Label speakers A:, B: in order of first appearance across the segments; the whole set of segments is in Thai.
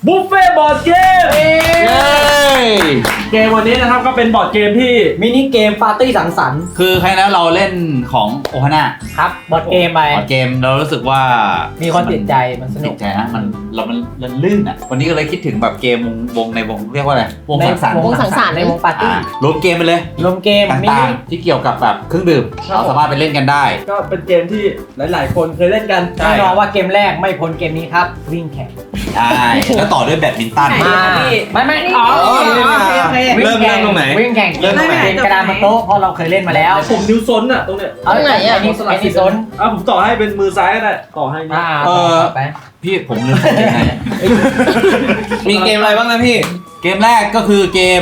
A: บุฟเฟ่บอร์ดเกมเกมวันนี้นะครับก็เป็นบอร์ดเกมที่มินิเกมปาร์ตี้สังสรรค์
B: คือใครแล้วเราเล่นของโอฮาน่า
A: ครับบอร์ดเกมไป
B: บอร์ดเกมเรารู้สึกว่า
A: มีคนติดใจมันสนุ
B: ติ
A: ก
B: ดใจนะมันลื่นอ่ะวันนี้ก็เลยคิดถึงแบบเกมวงในวงเรียกว่าอะไรวงสังสรรค์
C: วงสังสรรค์
A: ในวงปาร์ตี้
B: รวมเกมไปเลย
A: รวมเกมมิ
B: ต่า
A: นิ
B: งๆที่เกี่ยวกับแบบเครื่องดื่มเราสามารถไปเล่นกันได้
A: ก็เป็นเกมที่หลายๆ คนเคยเล่นกันแน่นอนว่าเกมแรกไม่พ้นเกมนี้ครับวิ่งแข่ง
B: ใช่แล้วต่อด้วยแบดมินตัน
A: ไม่อ๋อเริ่มตรงไหนวิ่งแข่งเริ่มตรงไหนกระดานบนโต๊ะเพราะเราเคยเล่นมาแล้วผมนิ้วซ้นอ่ะตรงเนี้ย
C: ตรงไหนอ่ะ
A: นิ้วซ้นผมต่อให้เป็นมือซ้ายก็ได้ต่อให้ไป
B: พี่ผมลืมใส่ยังไง
D: มีเกมอะไรบ้างนะพี่
B: เกมแรกก็คือเกม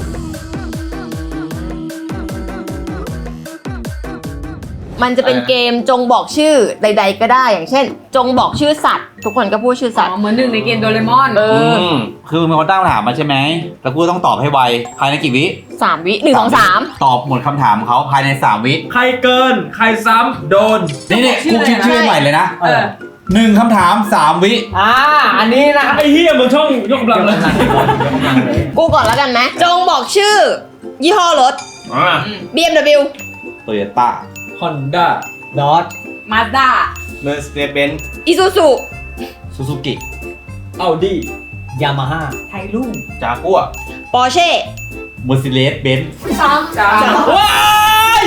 C: มันจะเป็นเกมจงบอกชื่อใด ๆ ก็ได้อย่างเช่น จงบอกชื่อสัตว์ ทุกคนก็พูดชื่อสัตว์
E: เหมือนหนึ่งในเกมโดเรมอน
B: คือมีคนตั้งคำถามมาใช่ไหมแล้วกูต้องตอบให้ไวภายในกี่วิ
C: 3 วิ1 2 3
B: ตอบหมดคำถามเขาภายใน3วิ
A: ใครเกินใครซ้ำโดน
B: นี่กูคิดชื่อใหม่เลยนะ1คำถาม3วิ
A: อันนี้นะไอ้เฮียมึงช่องยกกำลังเลย
C: กูก่อนแล้วกันไหมจงบอกชื่อ ยี่ห้อรถ BMW
B: Toyota
A: Honda ดอท
E: มาด้า
D: Mercedes-Benz
C: Isuzu
B: Suzuki
A: Audi Yamaha
E: ไทยรุ่ง
D: จากัว
C: Porsche
B: Mercedes-Benz
E: จ้า
A: ว้าย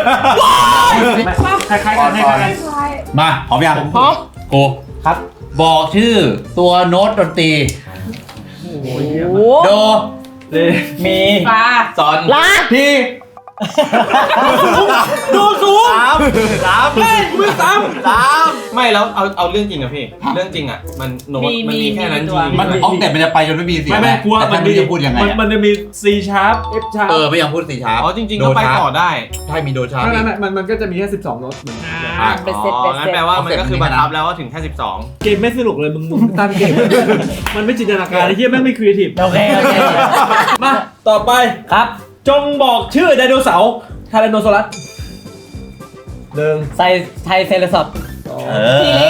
A: คล้ายๆกัน
B: มาพร้อมยัง
C: พร้อม
B: กูครับบอกชื่อตัวโน้ตดนตรี
C: โอ้
B: โด
A: มี
E: ฟ้า
D: ซอน
C: ลา
B: พี่
A: ดูสูง
D: สาม
A: เฮ้ยมือซ้
D: ไม่แล้วเอาเรื่องจริงอะพี่ เรื่องจริงอะมันโน้ตมันมีแค่นั้นจริง
B: มันออกแต่มันจะไปจนไม่มีเสียง
A: ไม่กลัว
B: แต่
A: มัน
B: ไม่รู้จะพูดยังไงอะ
A: มันจะมี C sharp F sharp
B: ไม่ยังพูดสี่ชาร์ป
D: อ๋อจริงๆก็ไปต่อได้
B: ใช่มีโดชาร์ป
A: ไม่มันก็จะมีแค่12โน้ตเหมือนกัน
C: เป็นเซ็ต
D: อ๋
C: เป็
D: อน งั้น
C: เซ็ต
D: แปลว่ามันก็คือบังคับแล้วว่าถึงแค่12
A: เกมไม่สนุกเลยมึงตั้งเกม มันไม่จินตนาการไอ้เหี้ยแม่งไม่ครีเอทีฟโอเคมาต่อไปครับจงบอกชื่อไดโนเสาร์ไทแรนโนซอรัสไทเซเลซอป
C: ทีเล็ก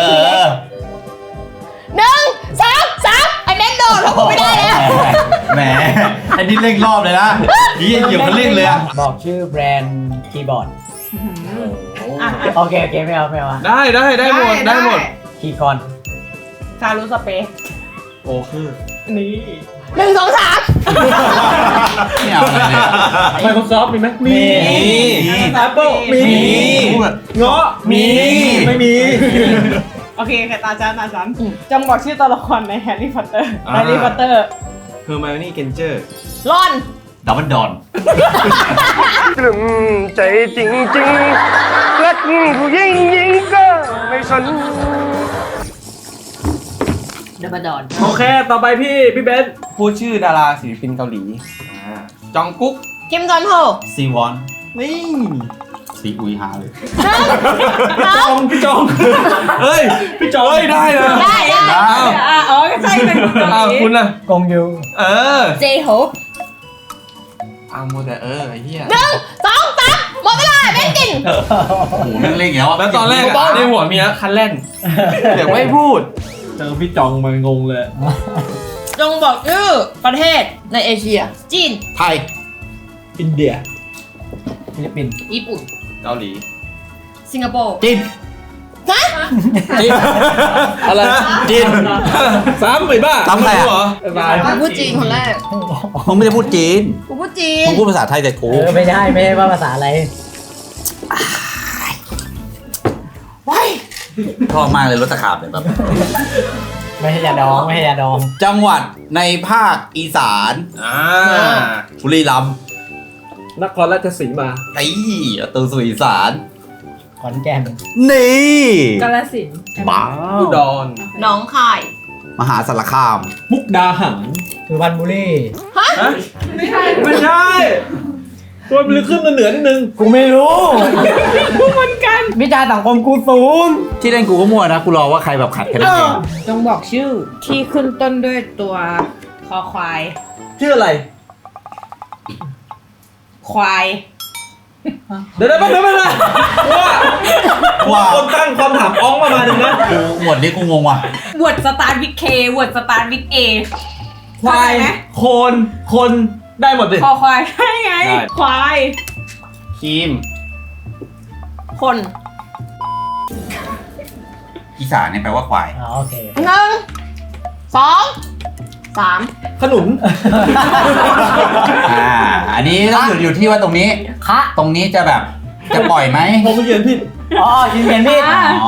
C: 1 2 3ไอเบนโดดเพราะกูไม่ได้แล้ว
B: แหมอันนี้เร่งรอบเลยนะนี่เหยียบคันเร่งเลยอะ
A: บอกชื่อแบรนด์คีย์บอร์ดโอเคไม่เอา
D: ได้หมด
A: คีย์คอน
E: คารุสเปซ
D: โอ้คือ
A: นี่
C: 1 2 3
B: ไม่เอาอะไรเลยอะ
A: Microsoft มีไหมมี Apple มี
B: พูดแบบ
A: เงาะมีไม่มี
E: โอเคแค่ตาฉันจงบอกชื่อตัวละครในแฮร์รี่พอตเตอร์เ
D: เฮอร์ไมโอนี่เกนเจอร์
C: ลอน
B: ดับเบิลดอน
F: กลุ่มใจจริงๆรักผู้หญิงก็ไม่สน
C: ดับเบิลดอน
A: โอเคต่อไปพี่เบนซ์
D: พูดชื่อดาราศิลปินเกาหลีจองกุ๊ก
C: คิมจอนโฮ
B: ซีวอน
D: นี่
B: ซีอุยฮาเลย
A: พี่จองเฮ้ยพี่จองได้เลย
C: ได้
E: อ๋อใช่เป็นคนเกาหลี
D: คุณน่ะ
A: กงยู
C: เจโฮป
D: โมเดลไอ้เหี้ย
C: 1 2 3หมดเวลาเบนจิน
B: โอ้โหเร่งๆแล้วอะ
D: แล้วตอนแรกในหัวมีนะคันเล่นเดี๋ยวไม่พูด
A: เจอพี่จองมางงเลย
C: จงบอกชื่อประเทศในเอเชีย จีน
B: ไทย
A: อินเดียฟิลิปปินส์
C: ญี่ปุ่น
D: เกาหลี
C: สิงคโปร์
B: จีน
C: ฮะ
B: จีน
A: อะไร
B: จีน
A: ซ้ำไปบ้า
B: ซ้ำใครอะ
A: เหรอ
C: กูพูดจีนคนแรก
B: มึงไม่ได้พูดจีน
C: กูพูดจีน
B: มึงพูดภาษาไทยแต่กู
A: ไม่ใช่ว่าภาษาอะไร
B: ชอบมากเลยรถตะขาบเนี่ยแบบ
A: ไม่ใช่ยาดอง
B: จังหวัดในภาคอีสานบุรีรัมย์
A: นครราชสีมา
B: ไอ้ตัวสุอีสาน
A: ขอนแก่น
B: นี่
E: กาฬสินธุ์
B: บ้า
D: อุดร
C: หนองคาย
B: มหาสารคาม
A: มุกดาหารสุพรรณบุรี
E: ไม่ใช่
A: ไม่ใช่ตัวมันขึ้นมาเหนือนิดนึงกูไม่รู้เหมือนกันวิจารสังคมกูสูง
B: ที่เล่นกูก็มั่วนะกูรอว่าใครแบบขัดแค่นั้นเอง
E: จงบอกชื่อที่ขึ้นต้นด้วยตัวคอควาย
A: ชื่ออะไร
E: ควาย
A: เดี๋ยวว่าคนตั้งคำถามอ้องประมาณนึงนะ
B: กูหมวดนี้กูงงว่ะ
E: วอร์ดสตาร์ทวิกเค วอร์ดสตาร์ทวิกเอ
A: ควายคนได้หมดสิ
E: คอควายใช่ไง ควาย
D: ครีม
C: คน
B: อีสานเนี่ยแปลว่าควาย
G: โอเค
C: 1 2 3
A: ขนุน
B: อันนี้ต้องอยู่ที่ว่าตรงนี้
G: คะ
B: ตรงนี้จะแบบจะปล่อยไหม
A: ผมเขียนผิด
G: อ๋อยินเห็นพี่
B: อ๋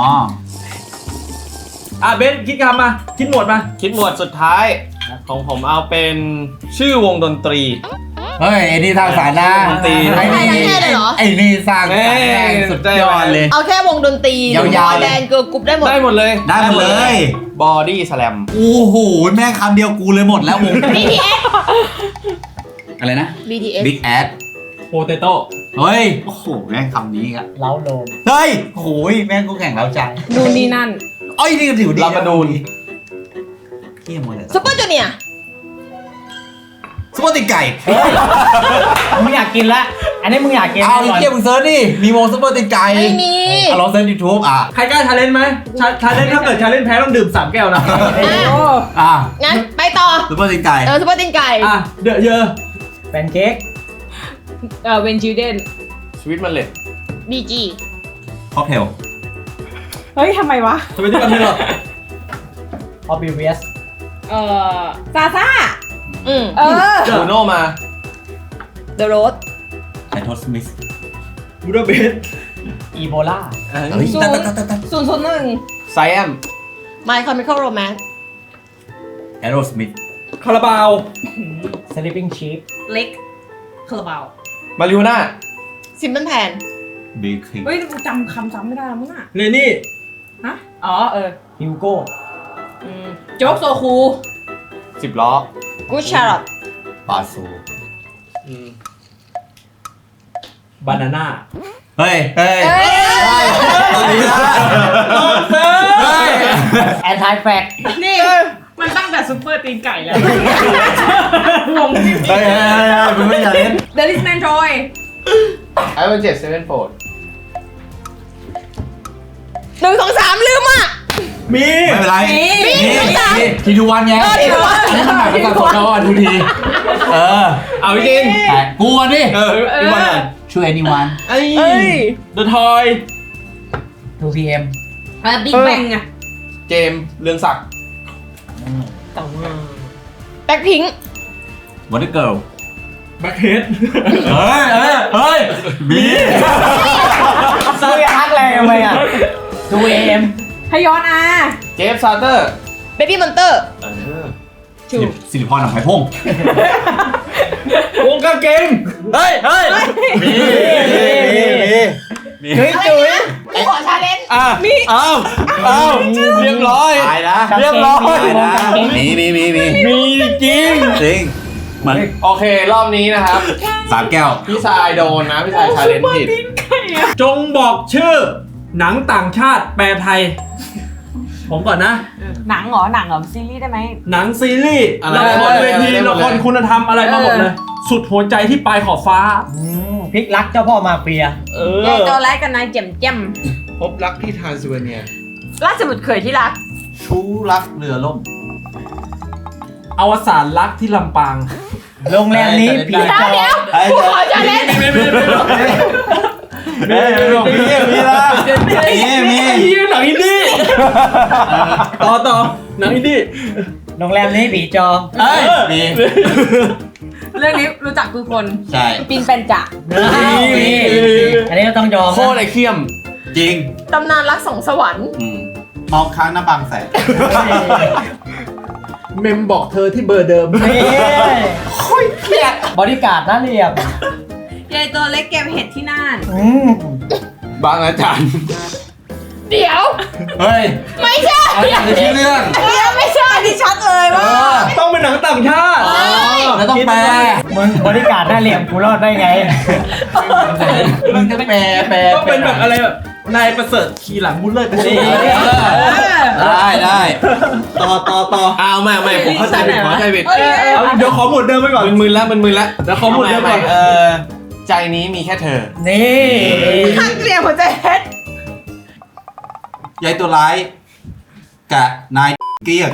B: อ
A: เบนคิดคำมาคิดหมวดมา
D: คิดหมวดสุดท้าย ของผมเอาเป็นชื่อวงดนตรี
B: เฮ้ยไอ้นี่ทางสารนะ
D: ดนตรี
B: ไอ้นี่
C: ทั้งแค่เลยเหรอ
B: ไอ้นี่สร้างสารแรงสุดยอดเลย
C: เอาแค่วงดนตรี
B: ยาวๆ
C: แดนเกิร์ลกรุ๊ปได้หมด
D: ได้หมดเลย
B: ได้หมดเลย
D: บอดี้สแลม
B: โอ้โหแม่งคำเดียวกูเลยหมดแล้ววง
C: BTS
B: อะไรนะ
C: BTS
B: Big Ass
A: โปเตโต้
B: เฮ้ยโอ้โหแม่งคำนี้อ่ะ
G: เล้าโลม
B: เฮ้ยโอ้ยแม่งกูแข่งแล้วใจ
E: นู่นนี่นั่น
B: เอ้ยนี่ก็ถือดี
D: ลาบานูน
B: เที่ยหมดเลย
C: ซุปเปอร์จูเนียร์
B: ซุปเปอร์ติไก่
G: มึงอยากกินละอันนี้มึงอยากกิน
B: เอาไอ้เที่ยมึงเซิร์ชดิมีวงซุปเปอร์ติไก่
C: ไม่มี
B: ลองเซิร์ชยูทูบ
A: ใครกล้าชาเลนจ์ไหมชาเลนจ์ถ้าเกิดชาเลนจ์แพ้ต้องดื่ม3 แก้วนะ
C: งั้นไปต่อ
B: ซุปเปอร์ติไก่
C: ซุปเปอร์ตีนไก่
A: เดอะเยอะ
G: แพนเค้ก
E: เวนจิวเดน
D: สวิตมันเล็ด
C: BG
B: ค็อกเทล
E: เฮ้ยทำไมวะ
A: ทำไมที่กันไม่หรอ
G: ออบิเวียส
E: ซาซ่า
D: บูโนมา
C: The Road
B: ไททอสมิธ
A: บูดาเบส
G: อีโบลา
B: เฮ้ยตัด
E: 001
D: ไซแอม
C: My Chemical Romance
B: แอโรสมิธ
A: คาราบาว
G: สลิปปิ้งชีฟ
E: เล็กคาราบาว
D: มาริโอน่า
C: Simple Plan
B: บีคิง
E: เฮ้ยจำคำซ้ำไม่ได้แล้วมั้งอ่ะ
A: เรนี่
E: ฮะ อ๋อ
G: ฮิวโก้
E: โจ๊กโซคู
D: 10 ล้อ
C: Good Charlotte
B: ปาซู
A: บานาน่า
B: เฮ้ยเฮ้ย
C: เอ้ย
G: แอนทายแฟก
E: นี่ มันตั้งแต่ซุปเปอร์ตีนไก่แล้ววง
B: เฮ้ยมึงไม่อยากเล่น
E: เดลิสแมนทรอย
D: ไอเวนเจ็ดเซเว่นโฟร์
C: 1 2 3 ลืมอ่ะ
A: มี
B: ไม่เป็นไร
C: มี
B: ทีดูวันไง
C: ทีดูวัน
B: อันนี้มันหมายถึงสดนอนดูที
A: เอาจริง
B: กูก่อนดิ
A: พี่บอล
B: ช่วย anyone
A: เอ้ยเดอะทอย
G: 2PM
E: บิ๊กแบงอะ
D: เจมส์เรืองศักดิ์
C: แบ็คพิง
B: Wonder Girl
A: แบ็คเฮด
B: เฮ้ยมี
G: ซื้อฮักแรงทำไมอ่ะ 2AM
E: ฮยอนอา
D: เจฟซาร์เตอร์
C: Baby Monster
B: สิริพรหนังไผ่พง
A: วงกางเกงเฮ้ย
G: จุ๊ยจุ๊ย
C: กูขอชาเลนจ์
D: เรียบร้อย
B: ตายนะ
G: เรียบร้อย
B: มี
A: จริง
B: จริงมัน
D: โอเค รอบนี้นะครับ
B: 3 แก้ว
D: พี่ชายโดนนะ พี่ชายชาเลนจ์ผิด
A: จงบอกชื่อ หนังต่างชาติแปลไทย ผมก่อนนะ
E: หนังเหรอซีรีส์ได้ไหม
A: หนังซีรีส์ละครเวทีละครคุณธรรมอะไรมาหมดเลย สุดหัวใจที่ปลายขอบฟ้า
G: พลิกรักเจ้าพ่อมาเฟีย
E: ยายตัวแรกกับนายเจ็มเจ็ม
D: พบรักที่ทรานซิลเวเนีย
C: ราชบุตรเขยที่รัก
B: ชูรักเรือล่ม
A: อวสานรักที่ลำปาง
G: โรงแรมนี้ผีจอ
C: เดี๋ยวกูขอชาเลนจ์
B: มีละ
A: หนังอินดี้ต่อหนังอินดี้
G: โรงแรมนี้ผีจอ
B: มี
E: เรื่องนี้รู้จักทุกคน
B: ใช่
E: ปินเป็นจ่า
G: อันนี้เราต้องยอม
D: โคตรไอเคียม
B: จริง
C: ตำนานรักสองสวรรค์
B: มองค้างหน้าบางแสน
A: เมมบอกเธอที่เบอร์เดิม
G: บอดี้การ์ดน่าเรียบ
E: ยายตัวเล็กเก็บเห็ดที่น่าน
D: บางอาจารย์
C: เดี๋ยว
B: เฮ้ย
C: ไม่ใช่
B: อะไรอย่างชื่อเรื่อง
C: เดี๋ยวไม่ใช่ที่ชัดเลยว่า
A: ต้องเป็นหนังต่างชาติ
B: แล้วต้องแปล
G: มึงบอดี้การ์ดน่าเรียบกูรอดได้ไง
B: มึงต้องแปล
A: ต้องเป็นแบบอะไรแบบนายประเสริฐขี่หลังบุญเลิศไปสิ
B: ได้
A: ต่อ
D: อ้าวไม่ผมเข้าใจผิด
A: เอาเดี๋ยวขอหมวดเดิมไปก่อน
D: มึนๆแล้ว
A: เดี๋ยวขอหมวดเดิมก่อน
D: ใจนี้มีแค่เธอ
G: นี่
E: ข้างเกลียวหัวใจเพชร
B: ยายตัวร้ายกับนายเกลี้ยง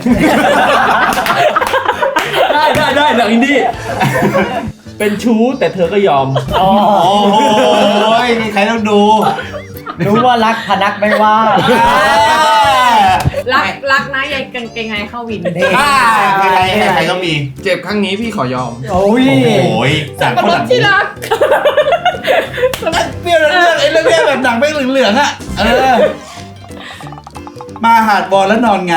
A: ได้หนังอินดี้เป็นชู้แต่เธอก็ยอม
G: โอ้
B: โอ้โหนี่ใครต้องดู
G: รู้ว่ารักพนักไม่ว่า
E: รักนะยายกางเกงในเข้าวิน
B: ใครก็มี
D: เจ็บครั้งนี้พี่ขอยอม
G: โอ้ย
B: โอ้ยจากคนหลัง
E: ที่รัก
B: เปรี้ยวเรื่องไอ้เรื่องแบบหนังไม่เหลืองๆอ่ะมาหาดบอลแล้วนอนไง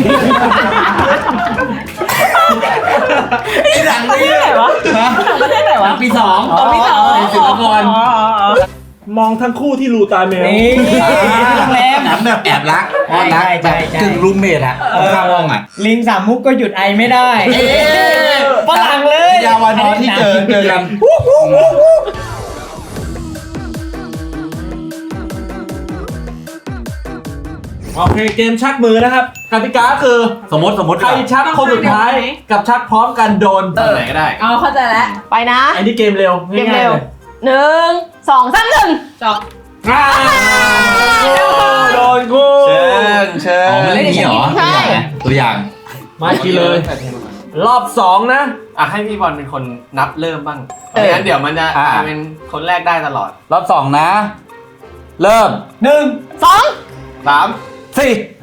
B: ไอ้หนังนี่
E: ไหนวะประเทศไหนวะ
G: ปีสอง
E: ปีสอง
G: ศิลปากร
A: มองทั้งคู่ที่รูตาแมว
G: นี่โรงแรม
B: หนังแบบแอบรักอ้อนรัก
G: ใช่
B: แบบ
G: ใช่
B: กึ่งรูมเมทอะข้างห้องอะ
G: ลิงสามมุกก็หยุดไอไม่ได้ฝรั่งเลย
B: ยาวานอนที่เจอกัน
A: โอเคเกมชักมือนะครับกติกาคือ
B: สมมติ
A: ใครชักคนสุดท้ายกับชักพร้อมกันโดน
D: ตอนไหนก็ได้
E: เอาเข้าใจแล้ว
C: ไปนะ
A: อันนี้เกมเร็ว
C: เกม
A: ง่าย
C: เร็
A: ๆ
C: ว
A: เลย
C: 1 2 3 1
E: จบ
A: โดนกู
D: เชิญ
B: อ๋อมันเล่นอย่างนี้เหรอ
C: ใช่
B: ตัวอย่าง
A: มาทีเลย รอบ 2 นะ
D: อ่ะให้พี่บอลเป็นคนนับเริ่มบ้าง
C: เออ
D: ไม่งั้นเดี๋ยวมันจะเป็นคนแรกได้ตลอด
B: รอบ2นะ เริ่ม
C: 2
D: 3
B: 4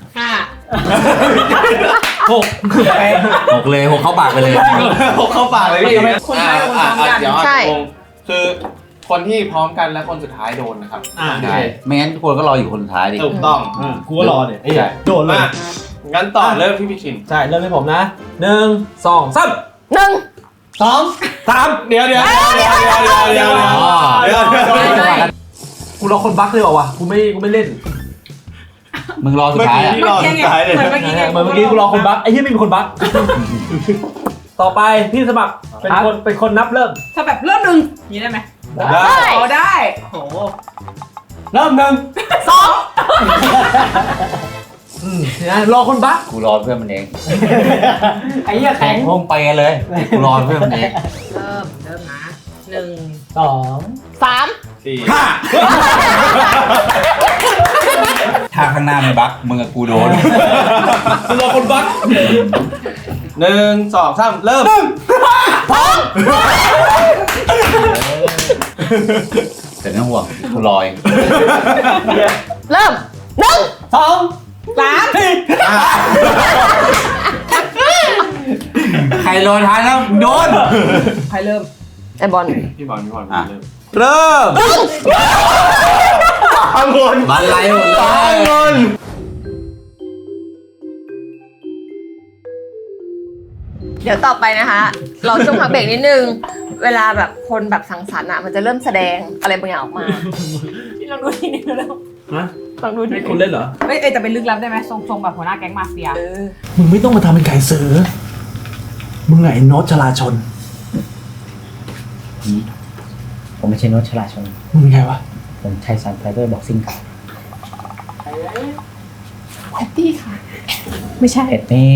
A: 6
B: 6เลย6เข้าปากไปเลย
D: เข้าปากเลยพี่
E: คนไทยคนพร้อมกัน
D: เดี๋ยว
C: ใช่
D: งงคือคนที่พร้อมกันและคนสุดท้ายโดนนะครับ
B: ใช่ไม่งั้นทุกคนก็รออยู่คนสุดท้ายดิ
D: ถูกต้อง
A: กูก็รอเนี่ยไอ้เหี้ยโดนเลย
D: มางั้นต่อเริ่มที่พี่ชิน
A: ใช่ เริ่มให้ผมนะ 1 2 3
C: 1
A: 3
D: เดี๋ยว
A: กูรอคนบั๊กเลยว่ะกูไม่เล่น
B: มึงรอสุดท้ายอะ
D: พี่รอสุดท้ายเลย
E: เหมือนเมื่อกี้ไง
A: เหมือนเมื่อกี้กูรอคนบั๊กไอ้เหี้ยไม่มีคนบั๊กต่อไปพี่สมัครเป็นคนนับเริ่ม
E: ถ้าแบบเริ่มหนึ่งนี้ได้ไหม
A: ได้
E: อ๋อได้โห
G: เริ่ม1
A: นะรอคนบั๊ก
B: กูรอเพื่อนมันเอง
G: ไอ้เหี้ยแข็ง
B: พวกไปกันเลยกูรอเพื่อนมันเอง
E: เริ่มนะ1
G: 2
C: 3
D: 4
B: ถ้าข้างหน้ามันบั๊กมึงกับกูโดน
A: กูรอคนบั๊ก
D: 1 2 3 เริ่ม
B: แต่ไม่ต้องห่วงกูรอเอง
C: เริ่ม
G: 2
B: ใครรอท้ายแล้วโดน
E: ใครเริ่ม
C: ไอบอล
D: พี่บอลเริ่ม
B: เริ่มบันไลหมดเลย
C: เดี๋ยวต่อไปนะคะ เราช่วงพักเบรกนิดนึง เวลาแบบคนแบบสังสรรค์อ่ะมันจะเริ่มแสดงอะไรบางอย่างออกมา
E: พี่ลองดูทีนึงแล้ว
A: ฮะ
C: ลองดูดิ
A: ให้คนเล่นเหรอ
E: เอ้ยแต่เป็นลึกลับได้ไหมทรงแบบหัวหน้าแก๊งมาเฟีย
A: มึงไม่ต้องมาทำเป็นไก่เสือมึงไงโน้ตชลาชน
G: ผมไม่ใช่โน้ตฉลาดชน
A: มึงไงวะ
G: ผมไทสันไฟเบอร์บ็อกซิ่งเก่า
C: แพตตี้ค่ะ
G: ไม่ใช่นี่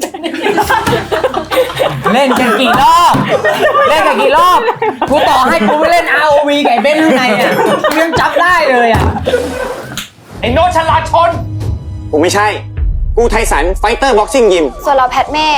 G: เล่นกันกี่รอบ เล่นกันกี่รอบ กูต่อให้กูไปเล่น ROV กับไอ้เบนข้างในอ่ะกูยังจับได้เลยอ่ะ ไอ้โน้ตฉลาดชน
H: กูไม่ใช่ กูไทสันไฟเตอร์บ็อกซิ่งยิม
I: ส่วนเราแพทเม่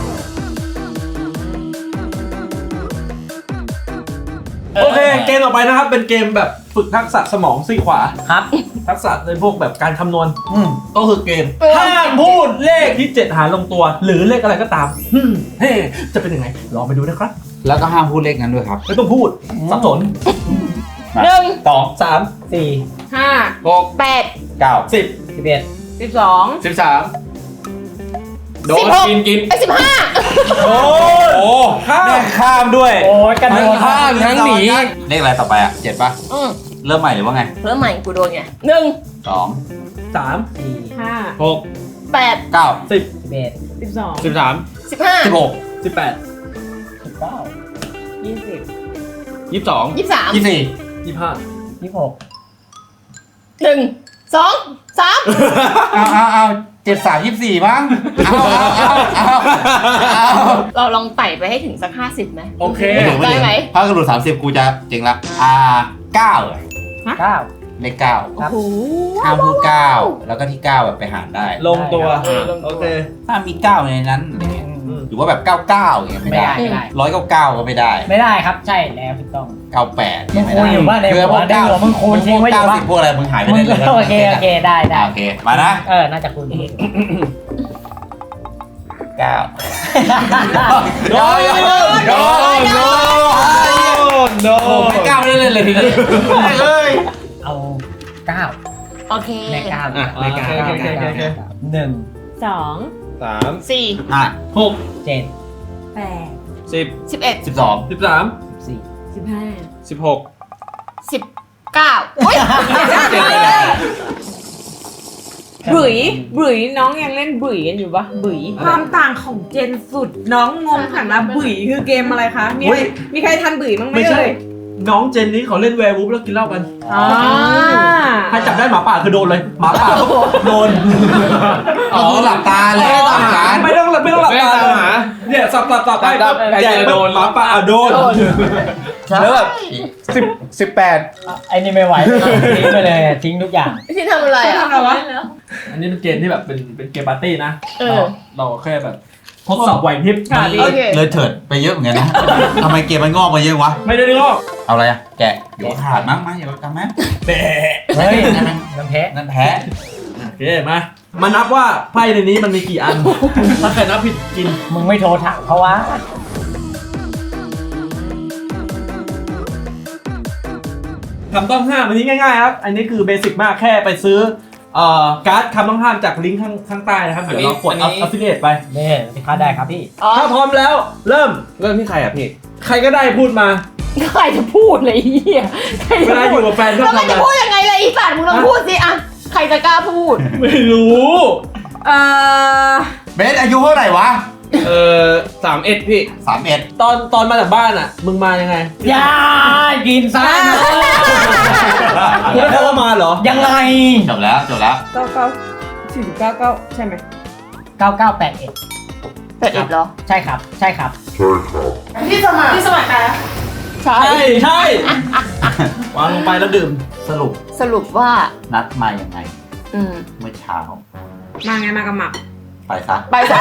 A: โอเค เกมต่อไปนะครับ เป็นเกมแบบฝึกทักษะสมองซีกขวา
G: ครับ
A: ทักษะในพวกแบบการคำนวณก็คือเกมห้ามพูดเลขที่ 7 หารลงตัว หรือเลขอะไรก็ตามเฮ้จะเป็นยังไง ลองไปดูนะครับ
B: แล้วก็ห้ามพูดเลขนั้นด้วยครับ
A: ไม่ต้องพูดสับสน
C: 1
A: 2 3
G: 4
E: 5
D: 6
C: 8
B: 9
A: 10
G: 11
E: 12
D: 13 โดน
C: 16
D: กิน
C: ไป15
A: โอ้ข้ามด้วย
G: โอ้ยกระโดด
D: ข้ามทั้งหนี
B: เลขอะไรต่อไปอ่ะ7ป่ะ เริ่มใหม่หรือว่าไง
C: เริ่มใหม่กูโดนไง1
B: 2
A: 3
E: 5
A: 6
C: 8
B: 9
A: 10
G: 11
E: 12
D: 13
C: 15
B: 16
A: 18
G: 19
E: 20
D: 22
C: 23
B: 24
A: 25
G: 26
C: 1 2 3
B: เอา 73 24มั้งเอา
C: เราลองไต่ไปให้ถึงสัก50ไหม
A: โอเค
C: ได้ไหม
B: ถ้ากระโดด30กูจะเจ๋งละ9เลย
G: 9
B: เลข9
G: ครับ
B: ห้ามพูด9แล้วก็ที่9แบบไปหารได้
A: ลงตัว
C: ลงตัว
A: โอเค
B: ถ้ามี9ในนั้นอะไรเงี้ยหรือว่าแบบ99อย่างเงี้ยไม่ได้
G: ไม่ได้
B: 199ก็ไม่ได้
G: ไม่ได้ครับใช่แล้วถูกต้อง
B: 98
G: มึง
B: ไม่
G: คูณ
B: ได้
G: อยู่บ้านใน
B: คือ
G: หั
B: พ
G: ว
B: วก
G: ในหัวมึงคูณทิ้งไว้อยู่บ้าน
B: 90พวกอะไรมึงหายไป
G: มึ
B: ได้
G: ง
B: เลย
G: โอเคได้
B: โอเคมานะ
G: น่าจะคูณทิ้ง
B: 9
A: โดน
D: โน
B: โอ้ไม่ก้าวได้เลยทีนี้เอ้ย
G: เอา9
C: โอเค
G: ใน9
D: อ่ะใน9
G: 1
E: 2
D: 3
C: 4
A: 6
G: 7
E: 8
D: 10
C: 11
B: 12
A: 13
E: 15
D: 16
C: 19อุ้ย
E: บุ๋ยน้องยังเล่นบุ๋ยกันอยู่ปะบุ๋ยความต่างของเจนสุดน้องงงหันมาบุ๋ยคือเกมอะไรคะมีใครทันบุ๋ยบ้างไหม
A: ไม่ใช่
E: เอ่ย
A: น้องเจนนี้เขาเล่นแวร์วูฟแล้วกินเหล้ากัน
E: อ่า
A: ถ้าจับได้หมาป่าคือโดนเลยหมาป่าก็โดน
B: ก็คือหลับตาเลยตามการ
A: ไม่ต้องหลับตาเลยเนี่ยสับได้
D: ใหญ่โดน
A: หมาป่าโดน
D: แล้วแบบ18
G: ไอ้นี่ไม่ไหวทิ้งไปเลยทิ้งทุกอย่าง
C: ที่ทำอะไรอ่ะ
E: ทำอะไรวะ
A: อันนี้เป็นเกมที่แบบเป็นเกมปาร์ตี้นะ
C: เออ
A: เราแค่แบบทดสอบไหวพริบ
E: ค่ะดี
C: โอเค
B: เลยเถิดไปเยอะเหมือนกันนะทำไมเกมมันงอกมาเยอะวะ
A: ไม่ได้งอก
B: เอาอะไรอะแกะเดี๋ยวขาดมั้งอย่าไปทำไหม
A: แบะ
G: เฮ้ยน้ำแพ้
B: นั่นแพ้
A: โอเคมานับว่าไพ่ในนี้มันมีกี่อัน ถ้าใครนับผิดกิน
G: มึงไม่โทรถามเขาวะ
A: คำต้องห้ามอันนี้ง่ายๆครับ อันนี้คือเบสิกมากแค่ไปซื้อการ์ดคำต้องห้ามจากลิงก์ข้างใต้นะครับ เดี๋ยวเรากด affiliate ไป
G: นี่ที่ค้าได้ครับพี่
A: ถ้าพร้อมแล้วเริ่ม
D: เริ่มที่ใครอ่ะพี่
A: ใครก็ได้พูดมา
C: ใครจะพูดเลยไอ้เหี้ยใคร
A: เว
C: จะ
A: ลาอ
C: พูด
A: ยู่กับแฟนชอบ
C: แล้วมัน
A: ทำอะไร
C: จะพูดยังไงเลยอีสัตว์มึงลองพูดสิอะใครจะกล้าพูด
A: ไม่รู้
B: เบสอายุเท่าไหร่วะ
D: 31พี่
B: 31
A: ตอนมาจากบ้านอ่ะ มึงมายังไง
G: อย่ากินซ่า
A: มึงได้เข้ามาเหรอ
G: ยังไง
B: จบแล้ว
E: 99 49 ใช่ไหม
G: 9981
C: เป็ดเหรอ
G: ใช่ครับ ใช่ครับ
E: พี่สมัครใครอะ
C: ใช่
A: ใช่วางลงไปแล้วดื่ม
C: สรุปว่า
B: นัดมายังไง
C: อืม
B: เมื่อเช้า
E: มาไงมากับหมัก
B: ไปซะ
C: ไปซะ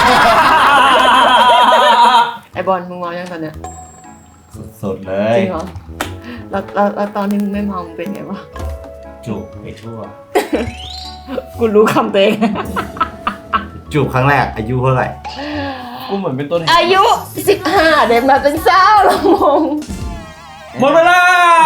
C: ไอบอลมึงเมายังตอนเนี้ย
B: สุดๆเล
C: จ
B: ย
C: ริงเหรอแล้วตอนที่มึงไม่เมามึงเป็นไงวะ
B: จูบไปทั่ว
C: กูรู้คำตัวเอง
B: จูบครั้งแรกอายุเท่าไหร่
D: กูเหมือนเป็นต้นเหตุ
C: อายุ 15 เดินมาเป็นสาวละมง
A: หมดเวลา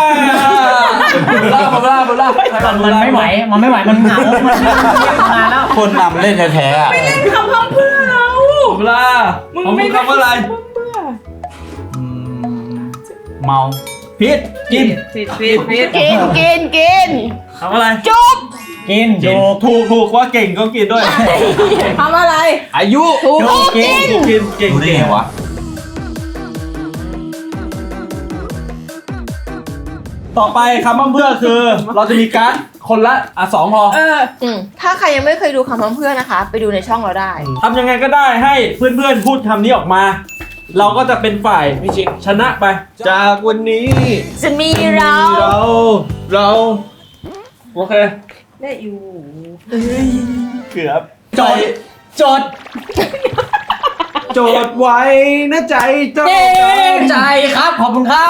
A: หมดเวลา
G: มันไม่ไหว มันไม่ไหว มันเหงา มันมาแล้ว
B: คนนำเล่นแท้ๆอะ
E: คำพังเพื่อเรา
A: หมดเวลาของมึงคำว่าอะไร
B: อืมเมา
A: พิษกิน
E: ผิด
C: กิน
A: คำว่าอะไร
C: จุ๊บ
G: กิน
A: ถูกว่าเก่งก็กินด้วย
E: ทำอะไร
D: อายุ
C: ถูกกิน
A: เก่ง
B: รู้ได้ไงวะ
A: ต่อไปคำว่าเพื่อคือ เราจะมีการ์ดคนละ2พอ
C: ถ้าใครยังไม่เคยดูคำพังเพื่อนนะคะ ไปดูในช่องเราได้
A: ทำยังไงก็ได้ให้เพื่อนๆพูดคำนี้ออกมา เราก็จะเป็นฝ่ายพิชิตชนะไป
D: จากวันนี้
C: จะมีเรา
D: เรา
A: โอเค
E: ได้อยู่
A: เกือบ
G: จด
D: โจทย์ไว้นะใจเจ้า
G: เย้ใจครับ ขอบคุณครับ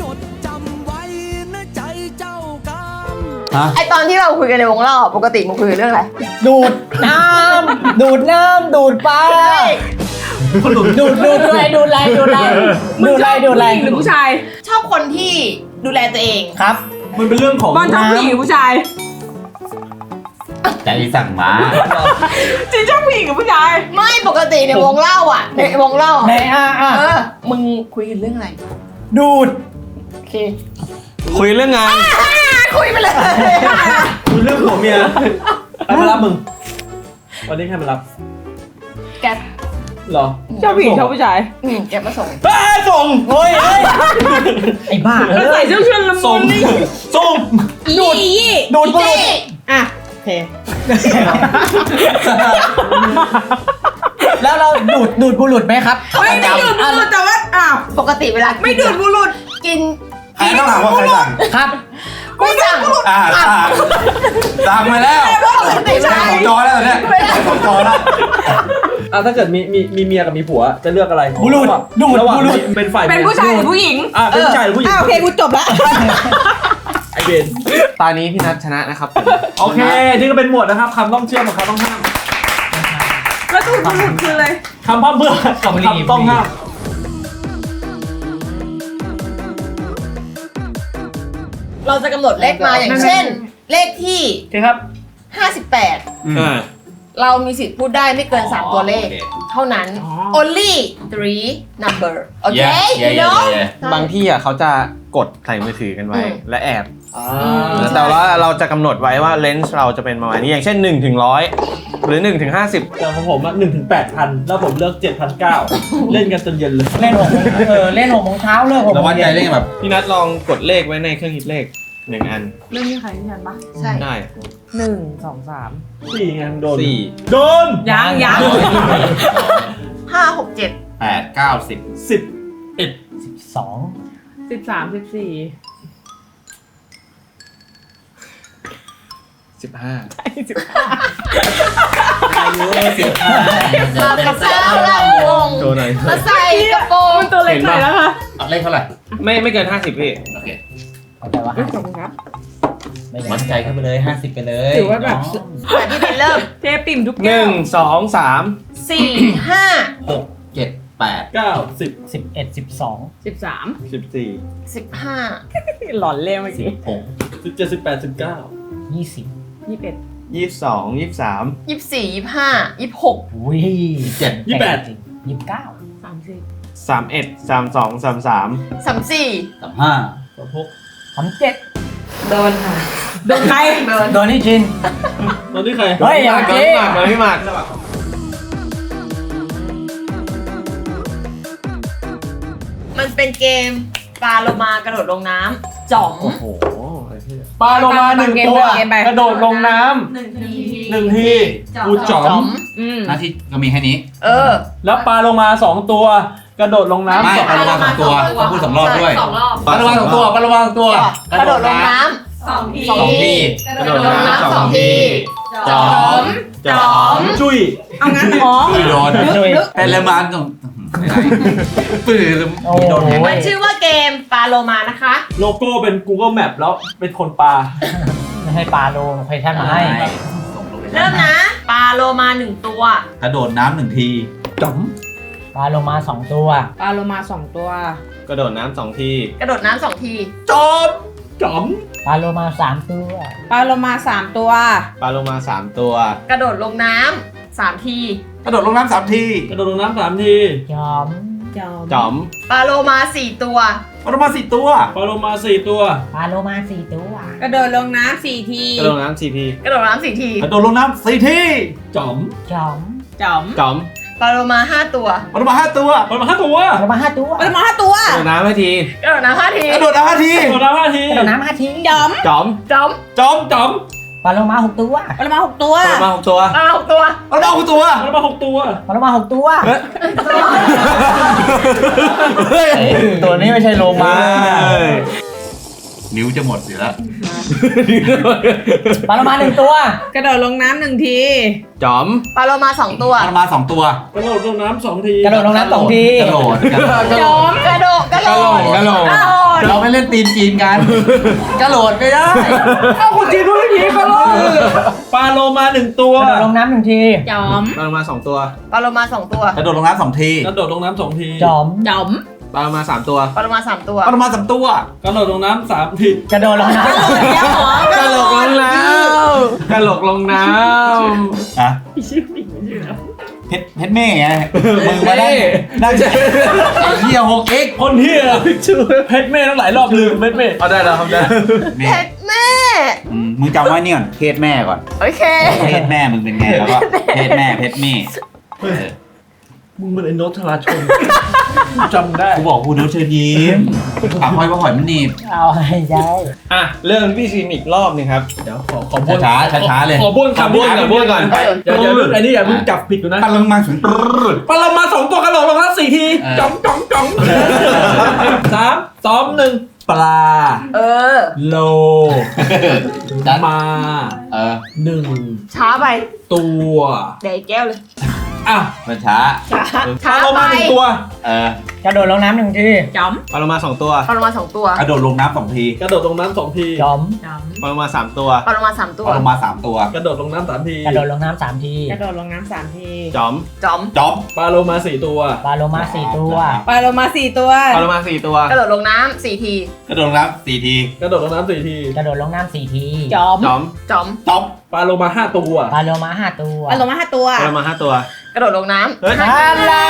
C: ไอตอนที่เราคุยกันในวงเล่าปกติมึงคุยกันเรื่องอะไร
G: ดูดน้ำ ดูดปลาดูดอะไรหรือผู้ชาย
C: ชอบคนที่ดูแลตัวเอง
G: ครับ
A: มันเป็นเรื่องของ
E: บอลชอบผู้หญิงหรือผู้ชาย
B: ใจสั่งมา
E: จริงชอบผู้หญิงกับผู้ชาย
C: ไม่ปกติในวงเล่าอ่ะในวงเล่า
G: ใน
C: มึงคุยกันเรื่องอะไร
G: ดูด
C: โอเค
D: คุยเรื่องงาน
C: คุยไปเลย
A: คุยเรื่องผัวเมียใครมารับมึง วันนี้ใครมารับ
C: แก
A: เหรอ
E: ชอบผู้หญิงชอบผู้ชาย
C: แกมาส่ง
A: ส่ง
G: โอ้ยไอ้บ้า
E: แล้วใส่เสื้อเชิ้ตละมุ
A: ส่ง
E: นนี่
A: ส่ง
C: ดูด
G: ดูด
C: เจ๊
E: อ่ะเค
G: แล้วเราดูดบุรุษไหมครับ
E: ไม่ได้ดูดบุรุษแต่ว่าอ้าว
C: ปกติเวลากิน
E: ไม่ดูดบุรุษ
C: กิน
F: ใครต้องถามว่าใครสั่ง
G: ครับ
C: กูสั่ง
F: สั่งมาแล้ว
C: ปกติเวลา
F: ของจอแล้วเนี่ยของจอแล้ว
A: ถ้าเกิดมีเมียกับมีผัวจะเลือกอะไร
G: บุรุษดูด
A: ระหว่าง
G: บุรุษ
A: เป็นฝ่าย
E: เป็นผู้ชายหรือผู้หญิง
A: เป็นผู้ชายหรือผู้หญิง
E: โอเคกูจบละ
A: ไอเบน
D: ตอนนี้พี่นัทชนะนะครับ
A: โอเคนี่ก็เป็นหมวดนะครับคำต้องเชื่อมกับคำต้องห้าม
E: แล้วดูดบุรุษคืออะไร
A: คำพร่ำเพื่อกับคำต้องห้าม
C: เราจะกำหนดเลขมาอย่างเช่น เลขที่
A: โอเคครับ
C: 58 เรามีสิทธิ์พูดได้ไม่เกิน 3 ตัวเลข เท่านั้น only 3 number โอเค you know
D: บางที่อ่ะเขาจะกดใส่มือถือกันไว้ และแอบ
C: ม
D: แต่ว่าเราจะกำหนดไว้ว่าเลนส์เราจะเป็นประมาณนี้อย่างเช่น1 ถึง 100 หรือ1 ถึง 50
A: แต่ของผมอ่ะ1 ถึง 8,000 แล้วผมเลือก 7,900 เล่นกันจนเย็นเลย
G: เล่น6 โมงเล่น6 โมงเช้าเลิก6 โม
B: แล้ว
G: ง
B: วัดใจ
G: เย็น
B: เล่นแบบ
D: พี่นัทลองกดเลขไว้ในเครื่องคิดเลข1 อัน
E: เรื่องนี้ใครที่ฉันปะ
C: ใช่
D: ได้
E: 1 2 3
A: 4ไงโดน
D: 4
A: โดน
E: ยัง
C: 5 6 7
B: 8 9 10
A: 10
G: 2
E: 13 14
D: 15
C: มากับข้าวเราวง
D: โชว์หน่อย
C: มาใส่กระโปรง
E: ตัวเล็กหน่อยแล้วค่ะ
B: เอาเลขเท่าไหร่
D: ไม่เกิน 50 พี่
B: โอเค
G: เอาแต่ว่า
E: ขอบคุณครับ
G: ไม่
B: มั่นใจเข้าไปเลย 50 ไปเลย
E: ถือว่าแบบ
C: แต่ที่เป็นเริ่ม
E: เทปิ่มทุกแก้ว
D: 1 2 3
C: 4 5
B: 6 7 8
A: 9 10
G: 11 12
E: 13
D: 14
C: 15
E: หลอนเล่เมื่อกี้
A: 17 18 19
G: 20
E: 21
D: 22 23
C: 24 25 26
G: อุ้ย
B: 7
A: 28
G: 29
E: 30
D: 31 32 33
C: 34
B: 35
A: 36
G: 37
E: โดนค่ะ โดนใคร
G: โดนนี่ชิน
A: ตอนนี้ใคร
G: เฮ้ยอย่า
D: มา
G: เจ๊
D: พี่หมาก
C: มันเป็นเกมปลาโลมากระโดดลงน้ำจ๋อม
D: โอ้โห
A: ปลาโลมา1 ตัว กระโดดลงน้ำ1 ทีกูจ๋อม
E: อืม
B: หน้าที่ก็มีแค่นี้
A: แล้วปลาโลมา 2 ตัว กระโดดลงน้ำ
B: ไม่
A: สอง
B: ปลาโลมา2 ตัวต้องพูด2 รอบด้วย
C: 2 รอบ
B: ปลาโลมา2 ตัวปลาโลมา2 ตัว
C: กระโดดลงน้ำ
B: 2 ที
C: กระโดดลงน้ำ2 ที
B: จอม
C: จ๋อม
A: จุ้ย
E: เอางั้นหรอ
B: ปืนโดน
G: ช่วย
B: แฮลมานตรงปืน
G: โอ้
B: โดน
C: มันชื่อว่าเกมปลาโลมานะคะ
A: โลโก้เป็น Google Map แล้วเป็นคนปลา
G: ไม่ให้ปลาโลโลเคชั่นมาให้
C: เริ่มนะ ปลาโลมา1 ตัว
B: กระโดดน้ำ1 ที
A: จ๋อม
G: ปลาโลมา2 ตัว
E: ปลาโลมา2 ตัว
D: กระโดดน้ำ2 ที
C: กระโดดน้ำ2 ที
A: จอมจ๋อม
G: ปลาโลมา3 ตัว
E: ปลาโลมา3 ตัว
D: ปลาโลมา3 ตัว
C: กระโดดลงน้ำ3 ที
B: กระโดดลงน้ำ3 ที
A: กระโดดลงน้ำ3 ที
G: จอม
D: จอม
C: ปลาโลมา4 ตัว
B: ปลาโลมา4 ตัว
A: ปลาโลมา4 ตัว
G: ปลาโลมา4 ตัว
E: กระโดดลงน้ำ4 ที
D: กระโดดน้ำ4 ที
C: กระโดดน้ำ4 ที
B: กระโดดลงน้ำ4 ที
A: จ๋อม
G: จอม
E: จ๋อม
D: จอม
C: ปลาโลมา5 ตัว
B: ปลาโลมา5 ตัว
A: ปลาโลมา5 ตัว
G: ปลาโลมา5 ตัว
E: ปลาโลมา5 ตัว
D: กระโดดน้ำ5 ที
C: กระโดดน้ำ5 ที
B: กระโดดน้ำ5 ที
A: กระโดดน้ำ5 ที
G: กระโดดน้ำ5 ที
E: จ๋อม
D: จอม
C: จอม
B: จอม
A: จ๋อม
G: ปลาโลมา6 ตัว
E: ปลาโลมา6 ตัว
D: กระโดดมา6 ตัว
C: ปลา6 ตัว
B: ปลาโลมา6 ตัว
A: ปลาโลมา6 ตัว
G: ปลาโลมา6 ตัว
B: เฮ้ย
G: ตัวนี้ไม่ใช่โลมา
B: นิ้วจะหมดเสียแล้ว
G: ปลาโลมา1 ตัว
E: กระโดดลงน้ำ1 ที
D: จอม
C: ปลาโลมา2 ตัว
B: ปลาโลมา2 ตัว
A: กระโดดลงน้ำ2 ที
G: กระโดดลงน้ำ2 ที
B: กระโดด
C: จอมกระโดดกระโดด
D: กระโดด
B: เราไม่เล่นตีนจีนกัน กระโดดไม่ได้
A: เอ้าคุณจีนพูดอย่างนี้ก็รอดปลาโลมา1 ตัว
G: กระโดดลงน้ำ1 ที
E: จ๋อม
D: ปลาโลมา2 ตัว
C: ปลาโลมา2 ตัว
B: กระโดดลงน้ำ2 ที
A: กระโดดลงน้ำ2 ที
G: จอม
E: จ๋อม
D: ปลาโลมา3 ตัว
C: ปลาโลมา3 ตัว
B: ปลาโลมา3 ตัว
A: กระโดดลงน้ำ3 ที
G: กระโดดลงน้ำ
D: กระโหลกลงน้ำกระโหลกลงน้ำ
B: ฮะเพชรเม่ไงมือมาได้ได้ไอ้เหี้ย6x
A: คนเฮียชื่อเพชรเม่ตั้งหลายรอบลืมเพชรเม่
D: เอาได้แล้วครับได้
C: เพชรแม่
B: มึงจำไว้นี่ก่อนเพศแม่ก่อน
C: โอเค
B: เพศแม่มึงเป็นไงแล้วก็เพศแม่เพศเม่
A: มึงเป็นไอ้โนตธราชนจำได้
B: กูบอกกูโน้ตเชิญยิ้มปากหอยปากหอยมันหนีบ
G: เอาให้ได้
D: อ่ะเริ่มพี่ชินอีกรอบหนึงครับ
A: เดี๋ยวขอบ้วน
B: ช้าๆเลย
A: ขอบ้วน
D: ขอบ้วนก่อนบ้วนก่อน
A: อย่าเพิ่งอันนี้อย่าเพิ่งจับผิดอยู่นะ
B: ปันลงมาถึง
A: ปลามา2 ตัวกระโดดลงมา4 ทีจ่องจ่องจ่อง3 2 1ปลา
C: เออ
A: โล มา 1
C: ช้าไป
A: ตัว
C: เดี๋ยวอีกแก้วเลย
A: อ่ะ
B: มันช้า
C: ช้า
A: ปลาโล
C: ไป
A: มา1 ตัว
G: กระโดดลงน้ำ1 ที
E: จอม
D: ปลาโลมา2 ตัว
C: ปลาโลมา2 ตัว
B: กระโดดลงน้ำ2 ที
A: กระโดดลงน้ำ2 ที
G: จอม
E: จอม
D: ปลาโลมา3 ตัว
C: ปลาโลมา3 ตัว
B: ปลาลงมา3 ตัว
A: กระโดดลงน้ำ3 ที
G: กระโดดลงน้ำ3 ที
E: กระโดดลงน้ำ3 ที
D: จอม
C: จอม
B: จ๊อบ
A: ปลาโลมา4 ตัว
G: ปลาโลมา4 ตัว
E: ปลาโลมา4 ตัว
D: ปลาโลมา4 ตัว
C: กระโดดลงน้ำ4 ที
B: กระโดดลงน้ำ4 ที
A: กระโดดลงน้ำ4 ที
G: กระโดดลงน้ำ4 ที
E: จอม
D: จอม
C: จอม
B: จ๊อบ
A: ปลาโลมา5 ตัว
G: ปลาโลมา5 ตัว
E: ปลาโลมา5 ตัว
D: ปลาโลมา5 ตัว
C: กระโดดลงน้
D: เฮ้ย
G: ฮัลโหล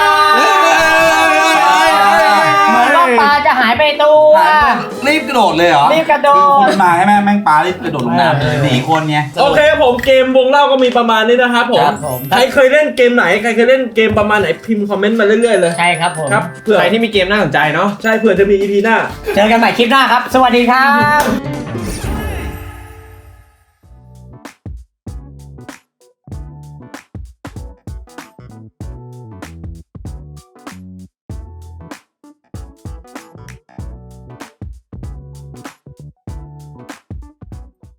G: เหมือนว่าปลาจะหายไปตัว
B: รีบกระโดดเลยเหรอ
G: รีบกระโดด
B: คือคนมาให้แม่งปลารีบกระโดดลงน้ำเลยหนีคนไง
A: โอเคผมเกมวงเล่าก็มีประมาณนี้นะครับผม
G: ครับผม
A: ใครเคยเล่นเกมไหนใครเคยเล่นเกมประมาณไหนพิมพ์คอมเมนต์มาเรื่อยๆเลย
G: ใช่ครับผม
A: ครับเผื่อ
D: ใครที่มีเกมน่าสนใจเนาะ
A: ใช่เผื่อจะมี EP หน้า
G: เจอกันใหม่คลิปหน้าครับ สวัสดีครับ